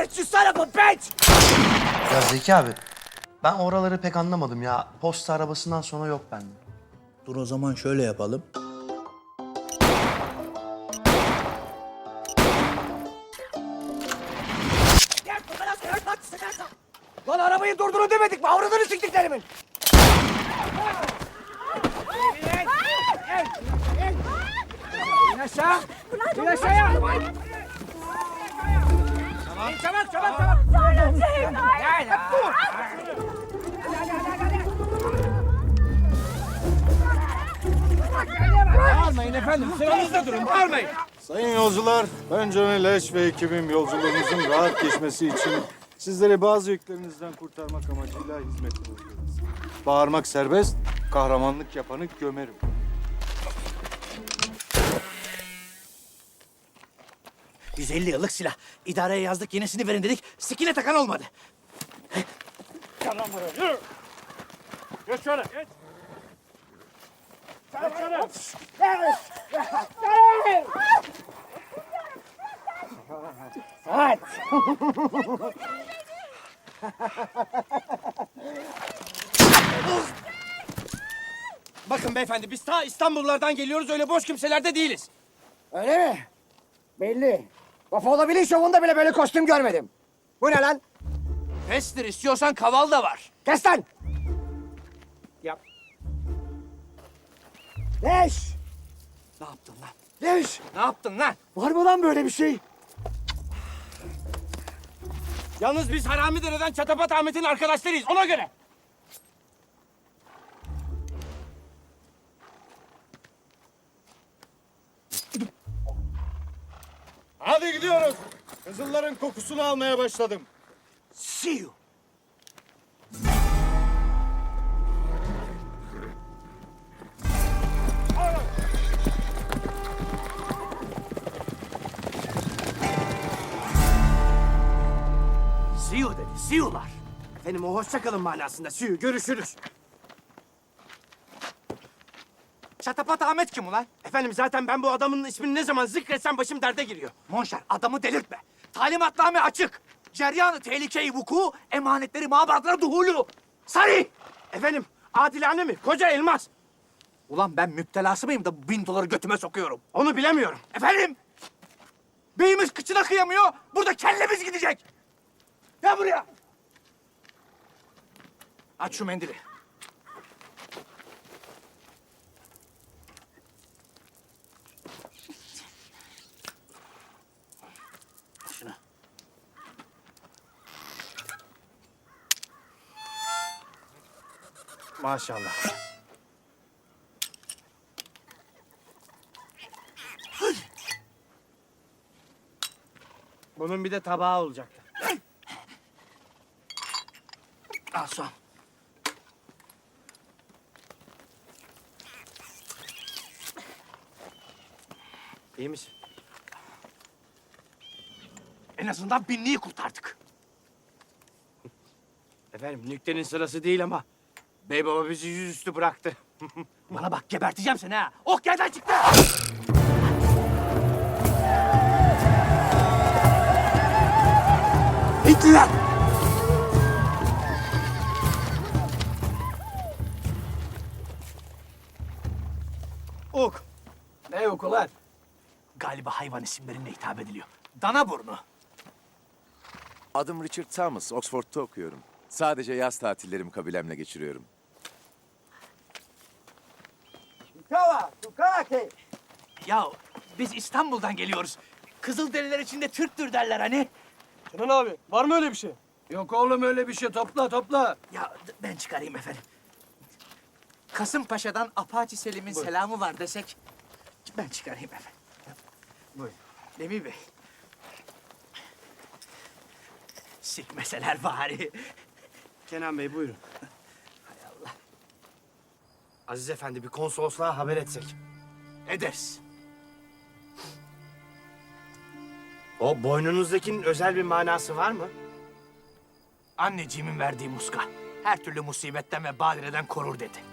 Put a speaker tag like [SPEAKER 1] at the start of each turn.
[SPEAKER 1] bitch, you son of a bitch!
[SPEAKER 2] Ya Zeki abi, ben oraları pek anlamadım ya. Posta arabasından sonra yok bende.
[SPEAKER 3] Dur o zaman şöyle yapalım.
[SPEAKER 1] Lan arabayı durdurun demedik mi? Avradını siktiklerimin! İn aşağı! İn aşağıya! Tamam. Çabuk, çabuk, çabuk! Gel ya! Bağırmayın efendim, sıranızda durun, bağırmayın!
[SPEAKER 4] Sayın yolcular, ben Johnny Leş ve ekibim yolculuğunuzun rahat geçmesi için sizleri bazı yüklerinizden kurtarmak amacıyla hizmetinizdeyiz. Bağırmak serbest, kahramanlık yapanı gömerim.
[SPEAKER 1] ...150 yıllık silah. İdareye yazdık, yenisini verin dedik. Sikine takan olmadı.
[SPEAKER 4] Gel lan buraya, yürü! Geç şöyle, geç! Geç şöyle!
[SPEAKER 1] Bakın beyefendi, biz ta İstanbullardan geliyoruz, öyle boş kimseler de değiliz.
[SPEAKER 5] Öyle mi? Belli. Buffalo Billy şovunda bile böyle kostüm görmedim. Bu ne lan?
[SPEAKER 1] Pestir, istiyorsan kaval da var.
[SPEAKER 5] Kes lan!
[SPEAKER 1] Yap.
[SPEAKER 5] Leş!
[SPEAKER 1] Ne yaptın lan?
[SPEAKER 5] Leş!
[SPEAKER 1] Ne yaptın lan?
[SPEAKER 5] Var mı lan böyle bir şey?
[SPEAKER 1] Yalnız biz Haramidere'den Çatapat Ahmet'in arkadaşlarıyız, ona göre.
[SPEAKER 4] Hadi gidiyoruz. Kızılların kokusunu almaya başladım.
[SPEAKER 1] See you. See you dedi, see you'lar. Efendim o hoşça kalın manasında, see you, görüşürüz. Çatapat Ahmet kim ulan? Efendim zaten ben bu adamın ismini ne zaman zikretsem başım derde giriyor. Monşer adamı delirtme. Talimatname açık. Ceryanı tehlikeyi vuku, emanetleri mabadlara duhulu. Sarı! Efendim adilane mi? Koca elmas. Ulan ben müptelası mıyım da 1000 doları götüme sokuyorum? Onu bilemiyorum. Efendim? Beyimiz kıçına kıyamıyor, burada kellemiz gidecek. Gel buraya. Aç şu mendili. Şunu. Maşallah. Bunun bir de tabağı olacaktı. Al son. İyi misin? En azından binliği kurtardık. Efendim nüktenin sırası değil ama bey baba bizi yüzüstü bıraktı. Bana bak geberteceğim seni ha. Ok yerden çıktı. Hitler! Ok. Ne ok ulan? Galiba hayvan isimlerine hitap ediliyor. Dana burnu.
[SPEAKER 6] Adım Richard Thomas, Oxford'da okuyorum. Sadece yaz tatillerimi kabilemle geçiriyorum.
[SPEAKER 5] Kava, tukake.
[SPEAKER 1] Ya biz İstanbul'dan geliyoruz. Kızılderililer içinde Türktür derler hani.
[SPEAKER 7] Kenan abi, var mı öyle bir şey? Yok oğlum öyle bir şey. Topla, topla.
[SPEAKER 1] Ya ben çıkarayım efendim. Kasımpaşa'dan Apache Selim'in selamı var desek... ...ben çıkarayım efendim. Buyurun. Demir Bey. Sikmeseler bari.
[SPEAKER 7] Kenan Bey buyurun.
[SPEAKER 1] Hay Allah. Aziz Efendi bir konsolosluğa haber etsek. Ederiz. O boynunuzdakinin özel bir manası var mı? Anneciğimin verdiği muska. Her türlü musibetten ve badireden korur dedi.